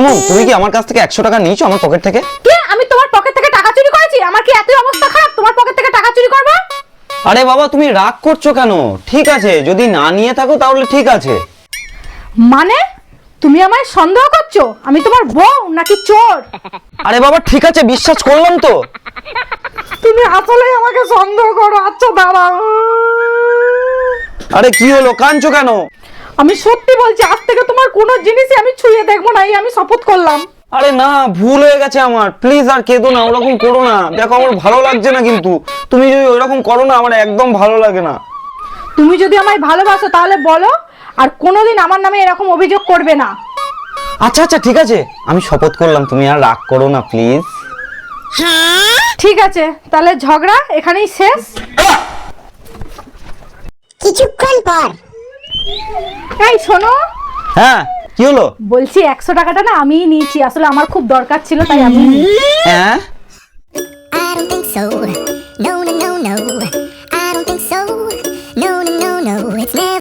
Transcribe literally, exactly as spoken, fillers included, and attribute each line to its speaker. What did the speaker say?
Speaker 1: মন, তুমি কি আমার কাছ থেকে একশো টাকা নিয়েছো আমার পকেট থেকে?
Speaker 2: কে? আমি তোমার পকেট থেকে টাকা চুরি করেছি? আমার কি এতই অবস্থা খারাপ তোমার পকেট থেকে টাকা চুরি করব?
Speaker 1: আরে বাবা, তুমি রাগ করছো কেন? ঠিক আছে, যদি না নিয়ে থাকো তাহলে ঠিক আছে।
Speaker 2: মানে তুমি আমায় সন্দেহ করছো? আমি তোমার বউ নাকি চোর?
Speaker 1: আরে বাবা ঠিক আছে, বিশ্বাস করলাম তো।
Speaker 2: তুমি আসলেই আমাকে সন্দেহ করো। আচ্ছা দাঁড়াও।
Speaker 1: আরে কি হলো, কাঁদছো কেন?
Speaker 2: আমি সত্যি বলছি, আজ থেকে তোমার কোনো জিনিসই আমি ছুঁয়ে দেখবো না, এই আমি শপথ করলাম।
Speaker 1: আরে না, ভুল হয়ে গেছে আমার, প্লিজ আর কেঁদো না, ওরকম করো না। দেখো আমার ভালো লাগছে না, কিন্তু তুমি যদি ওইরকম করো না আমার একদম ভালো লাগে না।
Speaker 2: তুমি যদি আমায় ভালোবাসো তাহলে বলো, আর কোনোদিন আমার নামে এরকম অভিযোগ করবে না।
Speaker 1: আচ্ছা আচ্ছা ঠিক আছে, আমি শপথ করলাম, তুমি আর রাগ করো না প্লিজ।
Speaker 2: ঠিক আছে, তাহলে ঝগড়া এখানেই শেষ।
Speaker 3: কিছুক্ষণ পর।
Speaker 2: এই শোনো,
Speaker 1: হ্যাঁ কি হলো?
Speaker 2: বলছি একশো টাকাটা না আমিই নিয়েছি, আসলে আমার খুব দরকার ছিল তাই আমি।
Speaker 1: হ্যাঁ
Speaker 3: I don't think so. No, no, no, no.